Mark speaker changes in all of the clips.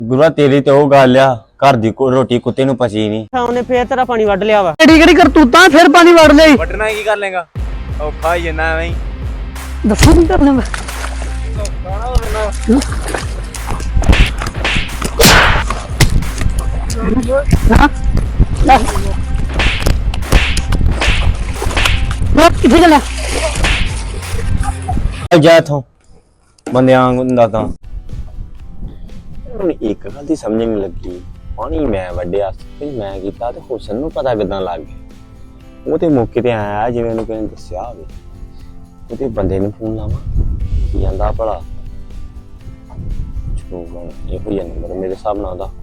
Speaker 1: ਗੁਰੂਆ ਤੇਰੀ ਤੇ ਉਹ ਗੱਲ ਆ ਘਰ ਦੀ ਰੋਟੀ ਕੁੱਤੇ ਨੂੰ ਪਚੀ ਨਹੀਂ।
Speaker 2: ਉਹਨੇ ਫੇਰ ਤੇਰਾ ਪਾਣੀ ਵੱਢ ਲਿਆ ਵਾ।
Speaker 3: ਕਿਹੜੀ ਕਿਹੜੀ ਕਰਤੂਤਾਂ ਫਿਰ ਪਾਣੀ ਵੜ ਲਈ।
Speaker 1: ਵੱਢਣਾ ਕੀ ਕਰ ਲੇਗਾ? ਔਖਾ ਹੀ ਜਨਾ ਐਵੇਂ ਹੀ
Speaker 3: ਦੱਸੋ ਕੀ ਕਰਨਾ ਮੈਂ। ਕਿੱਥੇ ਚੱਲਿਆ?
Speaker 1: ਜਾ ਇਥੋਂ ਬੰਦਿਆਂ ਹੁੰਦਾ ਤਾਂ ਹੁਣ ਇੱਕ ਗੱਲ ਦੀ ਸਮਝ ਨਹੀਂ ਲੱਗੀ। ਪਾਣੀ ਮੈਂ ਵੱਢਿਆ ਤੇ ਮੈਂ ਕੀਤਾ ਤੇ ਹੁਸਨ ਨੂੰ ਪਤਾ ਕਿਦਾਂ ਲੱਗ ਗਿਆ। ਉਹ ਤੇ ਮੌਕੇ ਤੇ ਆਇਆ ਜਿਵੇਂ ਉਹਨੂੰ ਕਿਸੇ ਨੇ ਦੱਸਿਆ ਹੋਵੇ। ਉਹਦੇ ਬੰਦੇ ਨੂੰ ਫੋਨ ਲਾਵਾਂ ਕੀ ਜਾਂਦਾ ਭਲਾ। ਚਲੋ ਇਹੋ ਹੀ ਨੰਬਰ ਮੇਰੇ ਹਿਸਾਬ ਨਾਲ ਉਹਦਾ।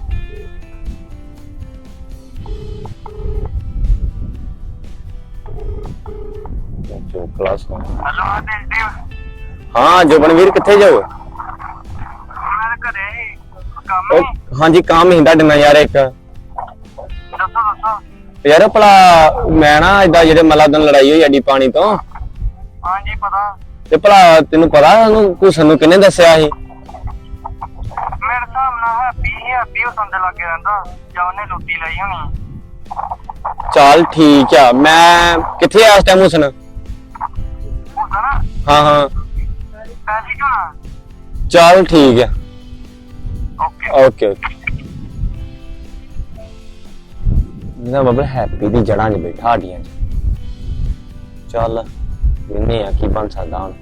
Speaker 1: ਕਲਾਸ ਹਾਂ ਜੋਬਨਵੀਰ ਕਿੱਥੇ ਜਾਓ? ਹਾਂਜੀ ਕੰਮ ਹੀ ਤੁਹਾਡੇ ਨਾਲ ਯਾਰ ਇੱਕ। ਦੱਸੋ ਯਾਰ ਭਲਾ ਮੈਂ ਨਾ ਏਦਾਂ ਜਿਹੜੇ ਮਤਲਬ ਦਿਨ ਲੜਾਈ ਹੋਈ ਸਾਡੀ ਪਾਣੀ ਤੋਂ।
Speaker 4: ਹਾਂਜੀ ਪਤਾ।
Speaker 1: ਤੇ ਭਲਾ ਤੈਨੂੰ ਪਤਾ ਉਹਨੂੰ ਕੁਛ ਨੂੰ ਕਿਹਨੇ ਦੱਸਿਆ ਸੀ?
Speaker 4: ਮੇਰੇ ਹਿਸਾਬ ਨਾਲ ਹੈਪੀ ਉਹ ਸੰਦੇ ਲੱਗੇ ਰਹਿੰਦਾ ਜਾਂ ਉਹਨੇ ਲੁੱਟੀ ਲਈ ਹੋਣੀ।
Speaker 1: ਚੱਲ ਠੀਕ ਆ। ਮੈਂ ਕਿੱਥੇ ਆ ਇਸ ਟਾਈਮ ਹੁਸਨ?
Speaker 4: ਹੁੰਦਾ ਨਾ
Speaker 1: ਹਾਂ ਹਾਂ
Speaker 4: ਪੈਸੇ ਕਿਉਂ ਨਾ।
Speaker 1: ਚੱਲ ਠੀਕ ਆ।
Speaker 4: ਓਕੇ
Speaker 1: ਓਕੇ ਮੇਰਾ ਬੱਬਲ ਹੈਪੀ ਦੀ ਜੜ੍ਹਾਂ 'ਚ ਬੈਠਾ ਹੱਡੀਆਂ 'ਚ। ਚੱਲ ਮੈਨੇ ਆ ਕੀ ਬਣ ਸਕਦਾ ਹੁਣ।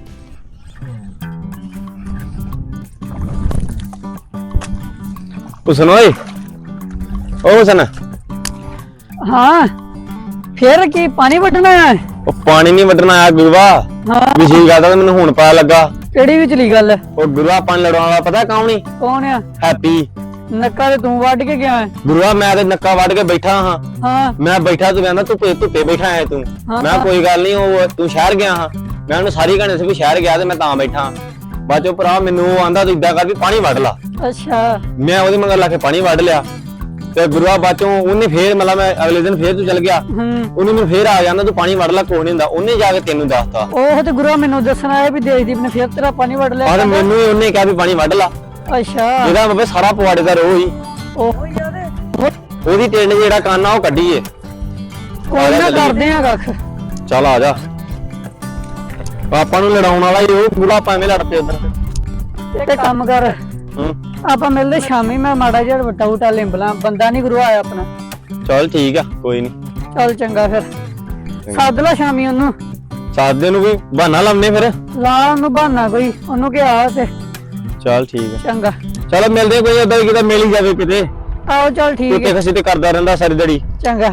Speaker 1: ਹੁਸਨ ਓਏ ਓ ਹੁਸਨ।
Speaker 3: ਹਾਂ ਫਿਰ ਕੀ ਪਾਣੀ ਵੱਢਣਾ ਹੈ?
Speaker 1: ਉਹ ਪਾਣੀ ਨਹੀਂ ਵੱਢਣਾ ਆਇਆ ਗੁਰੂਆ।
Speaker 3: ਹਾਂ
Speaker 1: ਵਿਸ਼ੀ ਗੱਲ ਤਾਂ ਮੈਨੂੰ ਹੁਣ ਪਤਾ ਲੱਗਾ।
Speaker 3: ਕਿਹੜੀ ਵਿਚਲੀ ਗੱਲ?
Speaker 1: ਉਹ ਗੁਰੂਆ ਪਾਣੀ ਲੜਾਉਣ ਵਾਲਾ ਪਤਾ ਕੌਣ ਈ?
Speaker 3: ਕੌਣ ਆ?
Speaker 1: ਹੈਪੀ।
Speaker 3: ਨੱਕਾ ਤੇ ਤੂੰ ਵੱਢ ਕੇ ਗਿਆ ਹੈ।
Speaker 1: ਗੁਰੂਆ ਮੈਂ ਤੇ ਨੱਕਾ ਵੱਢ ਕੇ ਬੈਠਾ ਹਾਂ।
Speaker 3: ਹਾਂ
Speaker 1: ਮੈਂ ਬੈਠਾ ਤੂੰ ਕਹਿੰਦਾ ਧੁੱਪੇ ਬੈਠਾ ਹੈ ਤੂੰ।
Speaker 3: ਹਾਂ।
Speaker 1: ਮੈਂ ਕੋਈ ਗੱਲ ਨਹੀਂ ਉਹ ਤੂੰ ਸ਼ਹਿਰ ਗਿਆ ਹਾਂ। ਮੈਂ ਉਹਨੂੰ ਸਾਰੀ ਕਹਾਣੀ ਸੀ ਵੀ ਸ਼ਹਿਰ ਗਿਆ ਤੇ ਮੈਂ ਤਾਂ ਬੈਠਾ। ਬਾਅਦ ਚੋਂ ਭਰਾ ਮੈਨੂੰ ਉਹ ਆਂਦਾ ਤੂੰ ਇਦਾਂ ਕਰ ਵੀ ਪਾਣੀ ਵੱਢ ਲਾ।
Speaker 3: ਅੱਛਾ
Speaker 1: ਮੈਂ ਉਹਦੇ ਮਗਰ ਲਾ ਕੇ ਪਾਣੀ ਵੱਢ ਲਿਆ ਤੇ ਗੁਰੂਆ ਬਾਅਦ ਚੋਂ ਉਹਨੇ ਫੇਰ ਮਤਲਬ ਮੈਂ ਅਗਲੇ ਦਿਨ ਫੇਰ ਤੂੰ ਚੱਲ ਗਿਆ। ਉਹਨੇ ਮੈਨੂੰ ਫੇਰ ਆ ਜਾਂਦਾ ਤੂੰ ਪਾਣੀ ਵੱਢ ਲਾ ਕੋਈ ਨਹੀਂ ਹੁੰਦਾ। ਉਹਨੇ ਜਾ ਕੇ ਤੈਨੂੰ ਦੱਸਤਾ।
Speaker 3: ਉਹ ਤੇ ਗੁਰੂ ਮੈਨੂੰ ਦੱਸਣਾ ਹੈ ਵੀ ਦੇਸ਼ਦੀਪ ਨੇ ਫਿਰ ਤੇਰਾ ਪਾਣੀ ਵੱਢ ਲਿਆ।
Speaker 1: ਔਰ ਮੈਨੂੰ ਉਹਨੇ ਕਿਹਾ ਵੀ ਪਾਣੀ ਵੱਢ ਲਾ।
Speaker 3: ਅੱਛਾ
Speaker 1: ਇਹਦਾ ਬਾਬੇ ਸਾਰਾ ਪਵਾੜੇ ਦਾ ਰੋਹ ਹੀ
Speaker 3: ਉਹ ਯਾਰ
Speaker 1: ਉਹਦੀ ਟਿੰਡ ਜਿਹੜਾ ਕੰਨ ਆ ਉਹ ਕੱਢੀਏ।
Speaker 3: ਕੋਈ ਨਾ ਕਰਦੇ ਆ ਕੱਖ।
Speaker 1: ਚੱਲ ਆ ਜਾ। ਪਾਪਾ ਨੂੰ ਲੜਾਉਣ ਵਾਲਾ ਹੀ ਉਹ ਪੂਰਾ ਭਾਵੇਂ ਲੜ ਪਿਆ ਉਧਰ।
Speaker 3: ਤੇ ਕੰਮ ਕਰ ਆਪਾਂ ਮਿਲਦੇ ਸ਼ਾਮੀ। ਮੈਂ ਮਾੜਾ ਜਿਹਾ ਵਟਾ ਲਿੰਬਲਾ ਬੰਦਾ ਨਹੀਂ ਗੁਰੂ ਆਇਆ ਆਪਣਾ।
Speaker 1: ਚੱਲ ਠੀਕ ਆ ਕੋਈ ਨਹੀਂ।
Speaker 3: ਚੱਲ ਚੰਗਾ ਫਿਰ ਸੱਦ ਲਾ ਸ਼ਾਮੀ ਉਹਨੂੰ।
Speaker 1: ਸਾਦੇ ਨੂੰ ਵੀ ਬਹਾਨਾ ਲਾਉਣੇ ਫਿਰ।
Speaker 3: ਲਾ ਉਹਨੂੰ ਬਹਾਨਾ ਕੋਈ ਉਹਨੂੰ ਕਿਹਾ ਤੇ।
Speaker 1: ਚੱਲ ਠੀਕ ਆ
Speaker 3: ਚੰਗਾ
Speaker 1: ਚਲੋ ਮਿਲਦੇ ਕੋਈ ਏਦਾਂ ਕਿਤੇ ਮਿਲ ਹੀ ਜਾਵੇ ਕਿਤੇ।
Speaker 3: ਆਓ ਚੱਲ ਠੀਕ
Speaker 1: ਕਿਤੇ
Speaker 3: ਹੈ।
Speaker 1: ਖਸੀ ਤੇ ਕਰਦਾ ਰਹਿੰਦਾ ਸਾਰੀ ਦਿਹਾੜੀ।
Speaker 3: ਚੰਗਾ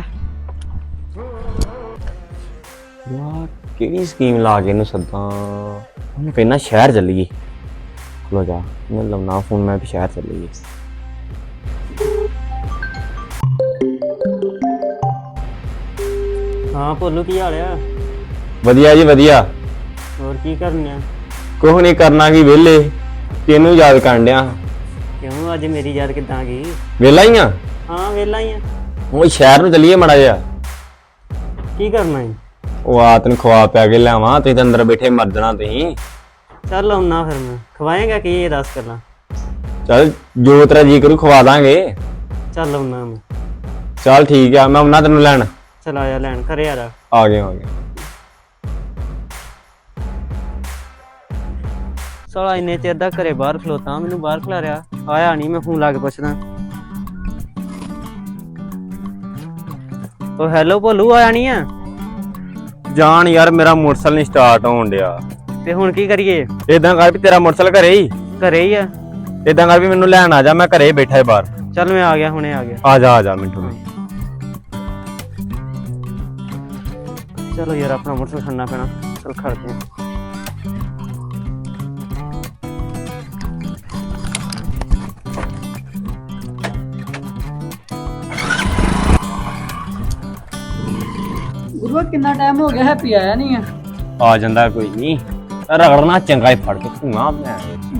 Speaker 1: ਵਾਹ ਕਿਹੜੀ ਸਕੀਮ ਲਾ ਕੇ ਇਹਨੂੰ ਸੱਦਾਂ। ਉਹਨੂੰ ਕਹਿੰਦਾ ਸ਼ਹਿਰ ਚੱਲੀਏ। ਖਲੋ ਜਾ ਮੈਂ ਲਾਉਣਾ ਫੋਨ ਮੈਂ ਵੀ ਸ਼ਹਿਰ ਚੱਲੀਏ।
Speaker 2: ਹਾਂ ਭੋਲੂ ਕੀ ਹਾਲ ਆ?
Speaker 1: ਵਧੀਆ ਜੀ ਵਧੀਆ।
Speaker 2: ਹੋਰ ਕੀ ਕਰਨਾ?
Speaker 1: ਕੁਛ ਨਹੀਂ ਕਰਨਾ ਕੀ ਵਿਹਲੇ ਤੈਨੂੰ ਯਾਦ ਕਰਨ ਡਿਆ।
Speaker 2: ਕਿਉਂ ਅੱਜ ਮੇਰੀ ਯਾਦ ਕਿੱਦਾਂ ਆ ਗਈ?
Speaker 1: ਵਿਹਲਾ ਹੀ ਆ।
Speaker 2: ਹਾਂ ਵਿਹਲਾ ਹੀ ਆ।
Speaker 1: ਉਹ ਸ਼ਹਿਰ ਨੂੰ ਚੱਲੀਏ ਮਾੜਾ ਜਿਹਾ।
Speaker 2: ਕੀ ਕਰਨਾ ਹੈ?
Speaker 1: ਉਹ ਆ ਤੈਨੂੰ ਖਵਾ ਪਿਆ ਕੇ ਲਿਆਵਾਂ। ਤੁਸੀਂ ਤਾਂ ਅੰਦਰ ਬੈਠੇ ਮਰ ਜਾਣਾ ਤੁਸੀਂ।
Speaker 2: ਚੱਲ ਆਉਣਾ ਫਿਰ ਮੈਂ। ਖਵਾਏਗਾ ਕੀ ਇਹ ਦੱਸ ਕਰਨਾ।
Speaker 1: ਚੱਲ ਜੋ ਤੇਰਾ ਜੀ ਕਰੂ ਖਵਾ ਦਾਂਗੇ।
Speaker 2: ਚੱਲ ਆਉਣਾ ਮੈਂ।
Speaker 1: ਚੱਲ ਠੀਕ ਆ ਮੈਂ ਉਹਨਾਂ ਤੈਨੂੰ ਲੈਣ।
Speaker 2: ਚਲ ਆਇਆ ਲੈਣ ਘਰੇ ਆ ਜਾ।
Speaker 1: ਆ ਗਏ।
Speaker 2: ਸਾਲਾ ਇੰਨੇ ਚਿਰ ਦਾ ਘਰੇ ਬਾਹਰ ਖਲੋਤਾ ਮੈਨੂੰ ਬਾਹਰ ਖਲਾ ਰਿਹਾ। ਆਇਆ ਨਹੀਂ। ਮੈਂ ਫੋਨ ਲਾ ਕੇ ਪੁੱਛਦਾ। ਉਹ ਹੈਲੋ ਭੋਲੂ ਆਇਆ ਨਹੀਂ ਆ?
Speaker 1: ਜਾਣ ਯਾਰ ਮੇਰਾ ਮੋਟਰਸਾਈਕਲ ਨਹੀਂ ਸਟਾਰਟ ਹੋਣ ਡਿਆ।
Speaker 2: ਤੇ ਹੁਣ ਕੀ ਕਰੀਏ?
Speaker 1: ਏਦਾਂ ਕਰ ਵੀ ਤੇਰਾ ਮੋਟਰਸਾਈਕਲ ਘਰੇ ਹੀ।
Speaker 2: ਘਰੇ ਹੀ ਆ?
Speaker 1: ਏਦਾਂ ਕਰ ਵੀ ਮੈਨੂੰ ਲੈਣ ਆ ਜਾ। ਮੈਂ ਘਰੇ ਬੈਠਾ ਏ ਬਾਹਰ।
Speaker 2: ਚੱਲ ਮੈਂ ਆ ਗਿਆ ਹੁਣੇ ਆ ਗਿਆ।
Speaker 1: ਆ ਜਾ ਮਿੰਟੂ।
Speaker 2: ਚਲੋ ਯਾਰ ਆਪਣਾ ਮੋਟਰਸਾਈਕਲ ਖੜਨਾ ਪੈਣਾ। ਚਲ ਖੜਦੇ ਆ।
Speaker 3: ਗੁਰੂ ਕਿੰਨਾ ਟਾਈਮ ਹੋ ਗਿਆ ਹੈਪੀ ਆਇਆ ਨਹੀਂ ਆ?
Speaker 1: ਆ ਜਾਂਦਾ ਕੋਈ ਨਹੀਂ। ਰਗੜਨਾ ਚੰਗਾ ਹੀ ਫੜ ਕੇ ਧੂਆਂ ਮੈਂ।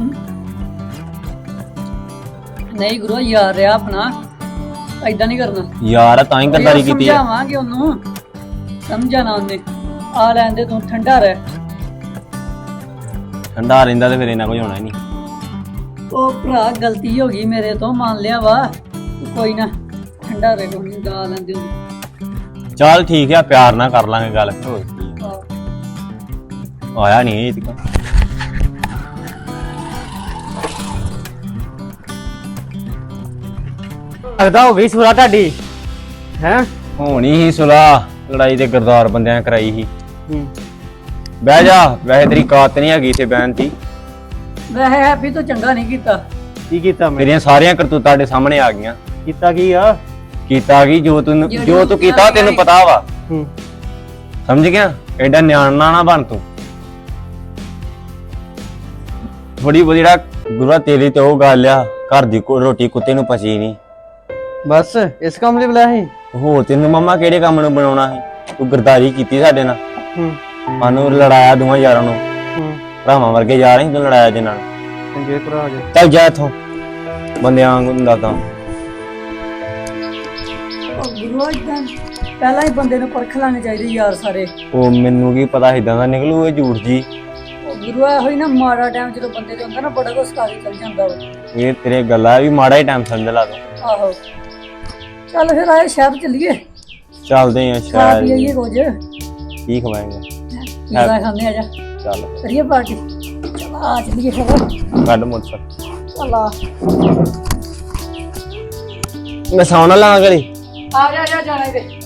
Speaker 3: ਨਹੀਂ ਗੁਰੂ ਯਾਰ ਰਿਹਾ ਆਪਣਾ ਐਦਾਂ ਨਹੀਂ ਕਰਨਾ
Speaker 1: ਯਾਰ ਤਾਂ ਹੀ ਗੱਦਾਰੀ ਕੀਤੀ ਹੈ।
Speaker 3: ਸਮਝਾਵਾਂਗੇ ਉਹਨੂੰ। ਸਮਝਾਣਾ ਉਹਨੇ। ਆ ਲੈਂਦੇ ਤੂੰ ਠੰਡਾ ਰਹਿ।
Speaker 1: ਠੰਡਾ ਰਹਿੰਦਾ ਤੇ ਫਿਰ ਇਹਨਾਂ ਕੋਈ ਹੋਣਾ ਹੀ ਨਹੀਂ।
Speaker 3: ਉਹ ਭਰਾ ਗਲਤੀ ਹੋ ਗਈ ਮੇਰੇ ਤੋਂ, ਮੰਨ ਲਿਆ ਵਾ। ਤੂੰ ਕੋਈ ਨਾ ਠੰਡਾ ਰਹਿ, ਕੋਈ ਗਾ ਲੈਂਦੇ ਹੋ।
Speaker 1: ਚੱਲ ਠੀਕ ਆ, ਪਿਆਰ ਨਾਲ ਕਰ ਲਾਂਗੇ ਗੱਲ ਫਿਰ। ਹੋਰ ਕੀ ਆ। ਆਇਆ ਨਹੀਂ ਇਹ ਤੱਕ।
Speaker 2: ਲੱਗਦਾ ਹੋ ਗਈ ਸੁਰਾ ਤੁਹਾਡੀ ਹੈ।
Speaker 1: ਹੋਣੀ ਹੀ ਸੁਲਾ, ਲੜਾਈ ਤੇ ਗਰਦਾਰ ਬੰਦਿਆਂ ਨੇ ਕਰਾਈ ਸੀ।
Speaker 2: ਹੂੰ
Speaker 1: ਬਹਿ ਜਾ, ਵੈਸੇ ਤੇਰੀ ਕਾਤ ਨਹੀਂ ਹੈਗੀ ਤੇ ਬਹਿਣ ਦੀ।
Speaker 3: ਵੈਸੇ ਹੈਪੀ ਤੋਂ ਚੰਗਾ ਨਹੀਂ ਕੀਤਾ।
Speaker 2: ਕੀ ਕੀਤਾ ਮੈਂ?
Speaker 1: ਮੇਰੀਆਂ ਸਾਰੀਆਂ ਕਰਤੂਤਾਂ ਤੁਹਾਡੇ ਸਾਹਮਣੇ ਆ ਗਈਆਂ।
Speaker 2: ਕੀਤਾ ਕੀ ਆ?
Speaker 1: ਕੀਤਾ ਕੀ ਜੋ ਤੂੰ ਕੀਤਾ ਤੈਨੂੰ ਪਤਾ ਵਾ।
Speaker 2: ਹੂੰ
Speaker 1: ਸਮਝ ਗਿਆ? ਐਡਾ ਨਿਆਣਾ ਨਾ ਬਣ ਤੂੰ। ਥੋੜੀ ਬਹੁਤੀ ਜਿਹੜਾ ਗੁਰੂਆ ਤੇਰੀ ਤੇ ਉਹ ਗੱਲ ਆ, ਘਰ ਦੀ ਰੋਟੀ ਕੁੱਤੇ ਨੂੰ ਪਚੀ ਨਹੀਂ।
Speaker 2: ਬਸ ਇਸ ਕੰਮ ਲਈ ਬੁਲਾਇਆ ਸੀ?
Speaker 1: ਹੋਰ ਤੈਨੂੰ ਮੰਮਾ ਕਿਹੜੇ ਕੰਮ ਨੂੰ ਬਣਾਉਣਾ ਸੀ? ਤੂੰ ਗਰਦਾਰੀ ਕੀਤੀ ਸਾਡੇ ਨਾਲ,
Speaker 2: ਹੂੰ
Speaker 1: ਸਾਨੂੰ ਲੜਾਇਆ ਦੋਵਾਂ ਯਾਰਾਂ ਨੂੰ।
Speaker 2: ਹੂੰ
Speaker 1: ਭਰਾਵਾਂ ਵਰਗੇ ਯਾਰ ਸੀ, ਤੂੰ ਲੜਾਇਆ ਜਿਨ੍ਹਾਂ ਨੂੰ।
Speaker 2: ਚੰਗੇ ਭਰਾ ਜੇ।
Speaker 1: ਚੱਲ ਜਾ ਇੱਥੋਂ, ਬੰਦਿਆਂ ਵਾਂਗੂ ਹੁੰਦਾ ਤਾਂ।
Speaker 3: ਗੁਰੂ ਇਦਾਂ ਪਹਿਲਾਂ ਹੀ ਬੰਦੇ ਨੂੰ ਪਰਖ ਲੈਣੇ ਚਾਹੀਦੇ ਯਾਰ ਸਾਰੇ।
Speaker 1: ਉਹ ਮੈਨੂੰ ਕੀ ਪਤਾ ਇਦਾਂ ਦਾ ਨਿਕਲੂ ਇਹ ਝੂਠ ਜੀ।
Speaker 3: ਗੁਰੂ ਇਹੋ ਹੀ ਨਾ, ਮਾੜਾ ਟਾਈਮ ਜਦੋਂ ਬੰਦੇ ਤੇ ਹੁੰਦਾ ਨਾ, ਬੜਾ ਕੁਛ ਸਿਖਾ ਕੇ ਚੱਲ ਜਾਂਦਾ ਵਾ।
Speaker 1: ਇਹ ਤੇਰੇ ਗੱਲਾਂ ਵੀ ਮਾੜਾ ਹੀ ਟਾਈਮ ਸਮਝ ਲਾ ਤੂੰ।
Speaker 3: ਆਹੋ ਚੱਲ ਫਿਰ ਆਏ ਸ਼ਹਿਰ ਚੱਲੀਏ,
Speaker 1: ਚੱਲਦੇ ਆ
Speaker 3: ਖਾ
Speaker 1: ਸ਼ਾਇਦ।
Speaker 3: ਪੀਈਏ ਕੁਝ,
Speaker 1: ਕੀ ਖਵਾਏਂਗੇ?
Speaker 3: ਪੀਜ਼ਾ ਖਾਂਦੇ ਆ ਜਾ,
Speaker 1: ਚੱਲ
Speaker 3: ਕਰੀਏ ਪਾਰਟੀ। ਚਲ ਆ ਚੱਲੀਏ ਫਿਰ।
Speaker 1: ਕੱਢ ਮੋਟਰਸਾਈਕਲ।
Speaker 3: ਚੱਲ ਆ
Speaker 1: ਮੈਂ ਸੌਣਾ ਲਾਂ ਗਲੀ।
Speaker 3: ਆ ਜਾ ਜਾਣਾ ਇਹਦੇ।